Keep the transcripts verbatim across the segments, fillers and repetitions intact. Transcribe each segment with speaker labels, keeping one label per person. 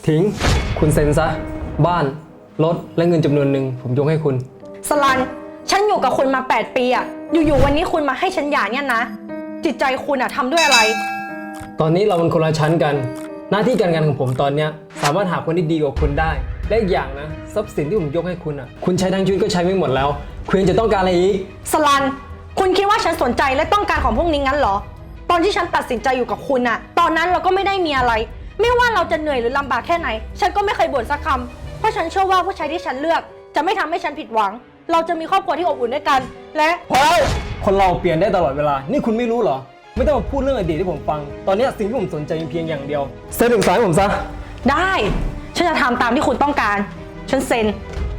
Speaker 1: ทิ้งคุณเซ็นซะบ้านรถและเงินจำนวนหนึ่งผมยกให้คุณ
Speaker 2: สลันฉันอยู่กับคุณมาแปดปีอะอยู่ๆวันนี้คุณมาให้ฉันหย่าเนี่ยนะจิตใจคุณอะทำด้วยอะไร
Speaker 1: ตอนนี้เราเป็นคนละชั้นกันหน้าที่การงานของผมตอนเนี้ยสามารถหาคนที่ดีกว่าคุณได้และอีกอย่างนะทรัพย์สินที่ผมยกให้คุณอ่ะคุณใช้ทั้งชีวิตก็ใช้ไม่หมดแล้วคุณยังจะต้องการอะไรอีก
Speaker 2: สลันคุณคิดว่าฉันสนใจและต้องการของพวกนี้งั้นเหรอตอนที่ฉันตัดสินใจอยู่กับคุณอะตอนนั้นเราก็ไม่ได้มีอะไรไม่ว่าเราจะเหนื่อยหรือลำบากแค่ไหนฉันก็ไม่เคยบ่นสักคำเพราะฉันเชื่อว่าผู้ชายที่ฉันเลือกจะไม่ทำให้ฉันผิดหวังเราจะมีครอบครัวที่อบอุ่นด้วยกันและ
Speaker 1: พอแล้วคนเราเปลี่ยนได้ตลอดเวลานี่คุณไม่รู้เหรอไม่ต้องมาพูดเรื่องอดีตที่ผมฟังตอนนี้สิ่งที่ผมสนใจเพียงอย่างเดียวเซ็นถึงสายผมซะ
Speaker 2: ได้ฉันจะทำตามที่คุณต้องการฉันเซ็น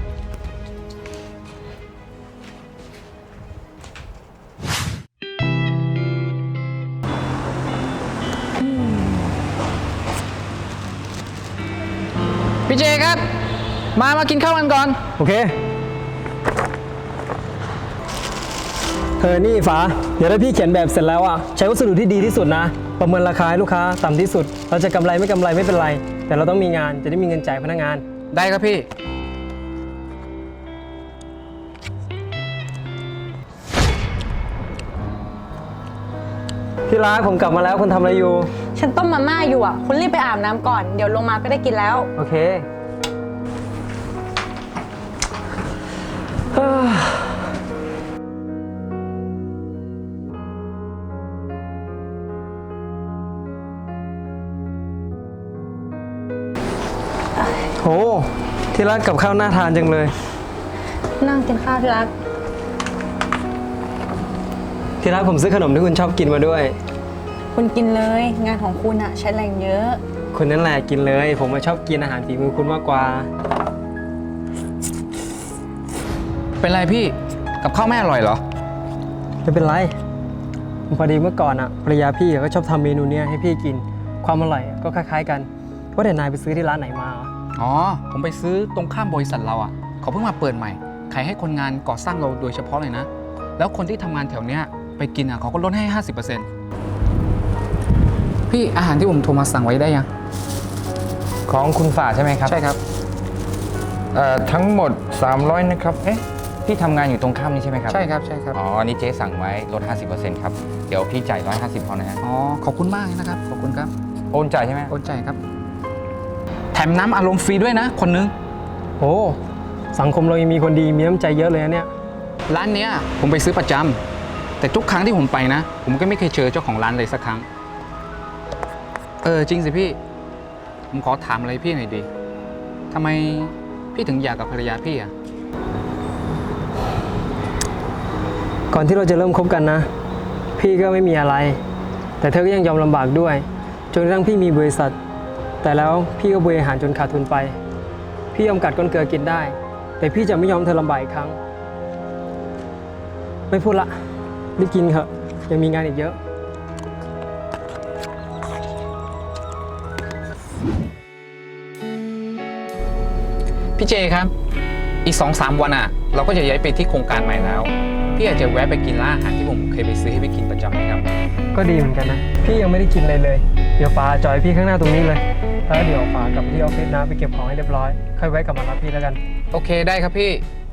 Speaker 3: พี่เจครับมามากินข้าวกันก่อน
Speaker 1: โอเคเธอนี่ฟ้าเดี๋ยวถ้าพี่เขียนแบบเสร็จแล้วอ่ะใช้วัสดุที่ดีที่สุดนะประเมินราคาให้ลูกค้าต่ำที่สุดเราจะกำไรไม่กำไรไม่เป็นไรแต่เราต้องมีงานจะได้มีเงินจ่ายพนักงาน
Speaker 3: ได้ครับพี่
Speaker 1: พี่รักผมกลับมาแล้วคุณทำอะไรอยู่
Speaker 2: ฉันต้มมาม่าอยู่อ่ะคุณรีบไปอาบน้ำก่อนเดี๋ยวลงมาก็ได้กินแล้ว
Speaker 1: โอเคโหที่รักกับข้าวน่าทานจังเลย
Speaker 2: นั่งกินข้าวที่รัก
Speaker 1: ที่รักผมซื้อขนมที่คุณชอบกินมาด้วย
Speaker 2: คุณกินเลยงานของคุณอะใช้แรงเยอะ
Speaker 1: คุณนั่นแหละกินเลยผมมาชอบกินอาหารฝีมือคุณมากกว่า
Speaker 3: เป็นไรพี่กับข้าวไม่อร่อยเหรอ
Speaker 1: ไม่เป็นไรพอดีเมื่อก่อนอะภรรยาพี่ก็ชอบทำเมนูเนี้ยให้พี่กินความอร่อยก็คล้ายๆกันว่าแต่นายไปซื้อที่ร้านไหนมา
Speaker 3: อ๋อผมไปซื้อตรงข้ามบริษัทเราอ่ะเขาเพิ่งมาเปิดใหม่ขายให้คนงานก่อสร้างเราโดยเฉพาะเลยนะแล้วคนที่ทำงานแถวเนี้ยไปกินอ่ะเขาก็ลดให้ ห้าสิบเปอร์เซ็นต์ พี่อาหารที่ผมโทรมาสั่งไว้ได้ยัง
Speaker 4: ของคุณฝ่าใช่ไหมครับ
Speaker 3: ใช่ครับ
Speaker 4: เอ่อทั้งหมดสามร้อยนะครับเอ๊ะพี่ทำงานอยู่ตรงข้ามนี้ใช่ไหมครับ
Speaker 3: ใช่ครับใช่ครับ
Speaker 4: อ๋ออันนี้เจ๊สั่งไว้ลด ห้าสิบเปอร์เซ็นต์ ครับเดี๋ยวพี่จ่ายหนึ่งร้อยห้าสิบพอนะฮะ
Speaker 3: อ๋อขอบคุณมากนะครับขอบคุณครับ
Speaker 4: โอนจ่ายใช่ไหม
Speaker 3: โอนจ่ายครับแถมน้ำอารมณ์ฟรีด้วยนะคนนึง
Speaker 1: โอ้สังคมเรายังมีคนดีมีน้ำใจเยอะเลยนะเนี่ย
Speaker 3: ร้านเนี้ยผมไปซื้อประจำแต่ทุกครั้งที่ผมไปนะผมก็ไม่เคยเจอเจ้าของร้านเลยสักครั้งเออจริงสิพี่ผมขอถามอะไรพี่หน่อยดิทำไมพี่ถึงอยากกับภรรยาพี่อ่ะ
Speaker 1: ก่อนที่เราจะเริ่มคบกันนะพี่ก็ไม่มีอะไรแต่เธอก็ยังยอมลำบากด้วยจนกระทั่งพี่มีบริษัทแต่แล้วพี่ก็บริหารจนขาดทุนไปพี่ยอมกัดก้นเกลือกินได้แต่พี่จะไม่ยอมเธอลำบากอีกครั้งไม่พูดละรีบกินเถอะยังมีงานอีกเยอะ
Speaker 3: พี่เจครับอีก สองสาม วันอ่ะเราก็จะย้ายไปที่โครงการใหม่แล้วพี่อยากจะแวะไปกินร้านอาหารที่ผมเคยไปซื้อให้ไปกินประจำไหมครับ
Speaker 1: ก็ดีเหมือนกันนะพี่ยังไม่ได้กินเลยเลยเดี๋ยวฟ้าจอยพี่ข้างหน้าตรงนี้เลยแล้วเดี๋ยวฟ้ากลับที่ออฟฟิศนะไปเก็บของให้เรียบร้อยค่อยแวะกลับมารับพี่แล้วกัน
Speaker 3: โอเคได้ครับพี่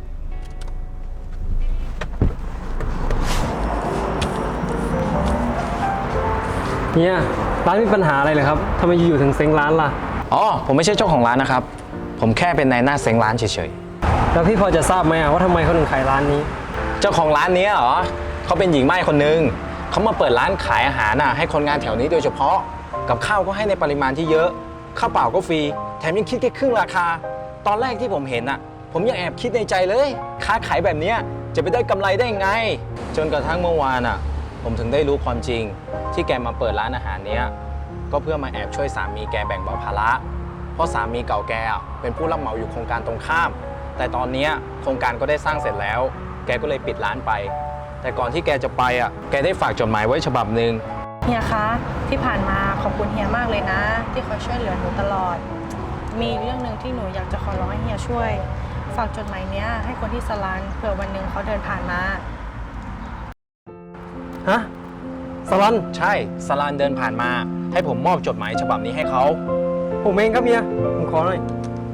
Speaker 1: เนี่ยร้านมีปัญหาอะไรเหรอครับทำไมอยู่ๆถึงเซ็งร้านล่ะ
Speaker 4: อ๋อผมไม่ใช่เจ้าของร้านนะครับผมแค่เป็นนายหน้าเซ็งร้านเฉย
Speaker 1: ๆแล้วพี่พอจะทราบไหมว่าทำไมเขาถึงขายร้านนี้
Speaker 4: เจ้าของร้านนี้เหรอเขาเป็นหญิงไม้คนนึงเขามาเปิดร้านขายอาหารน่ะให้คนงานแถวนี้โดยเฉพาะกับข้าวก็ให้ในปริมาณที่เยอะข้าวเปล่าก็ฟรีแถมยังคิดแค่ครึ่งราคาตอนแรกที่ผมเห็นน่ะผมยังแอบคิดในใจเลยค้าขายแบบนี้จะไปได้กำไรได้ไงจนกระทั่งเมื่อวานน่ะผมถึงได้รู้ความจริงที่แกมาเปิดร้านอาหารเนี้ยก็เพื่อมาแอบช่วยสามีแกแบ่งเบาภาระเพราะสามีเก่าแกเป็นผู้รับเหมาอยู่โครงการตรงข้ามแต่ตอนนี้โครงการก็ได้สร้างเสร็จแล้วแกก็เลยปิดร้านไปแต่ก่อนที่แกจะไปอ่ะแกได้ฝากจดหมายไว้ฉบับหนึ่ง
Speaker 2: เฮียคะที่ผ่านมาขอบคุณเฮียมากเลยนะที่คอยช่วยเหลือหนูตลอดมีเรื่องหนึ่งที่หนูอยากจะขอร้องให้เฮียช่วยฝากจดหมายเนี้ยให้คนที่สลันเผื่อวันหนึ่งเขาเดินผ่านมา
Speaker 1: ฮะสลัน
Speaker 4: ใช่สลันเดินผ่านมาให้ผมมอบจดหมายฉบับนี้ให้เขา
Speaker 1: โผมเองครับเมีย ผมขอหน่อย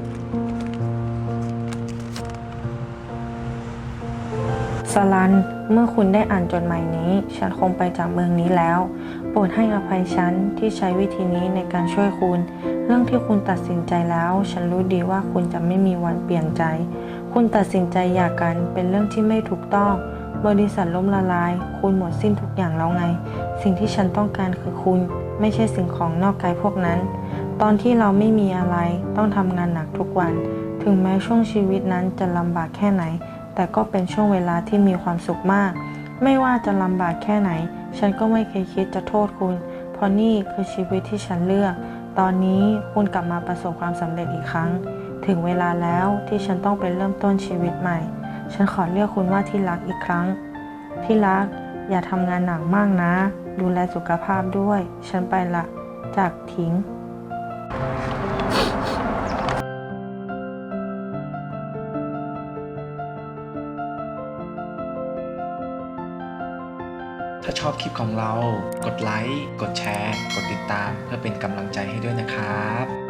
Speaker 2: สลัน เมื่อคุณได้อ่านจดหมายนี้ ฉันคงไปจากเมืองนี้แล้ว โปรดให้อภัยฉันที่ใช้วิธีนี้ในการช่วยคุณ เรื่องที่คุณตัดสินใจแล้ว ฉันรู้ดีว่าคุณจะไม่มีวันเปลี่ยนใจ คุณตัดสินใจหย่ากันเป็นเรื่องที่ไม่ถูกต้อง บริษัทล้มละลาย คุณหมดสิ้นทุกอย่างแล้วไง สิ่งที่ฉันต้องการคือคุณ ไม่ใช่สิ่งของนอกกายพวกนั้น ตอนที่เราไม่มีอะไร ต้องทำงานหนักทุกวัน ถึงแม้ช่วงชีวิตนั้นจะลำบากแค่ไหน แต่ก็เป็นช่วงเวลาที่มีความสุขมาก ไม่ว่าจะลำบากแค่ไหน ฉันก็ไม่เคยคิดจะโทษคุณ เพราะนี่คือชีวิตที่ฉันเลือก ตอนนี้คุณกลับมาประสบความสำเร็จอีกครั้ง ถึงเวลาแล้วที่ฉันต้องไปเริ่มต้นชีวิตใหม่ ฉันขอเรียกคุณว่าที่รักอีกครั้ง ที่รัก อย่าทำงานหนักมากนะ ดูแลสุขภาพด้วย ฉันไปละ จากถิง
Speaker 5: ถ้าชอบคลิปของเรา กดไลค์ กดแชร์ กดติดตามเพื่อเป็นกำลังใจให้ด้วยนะครับ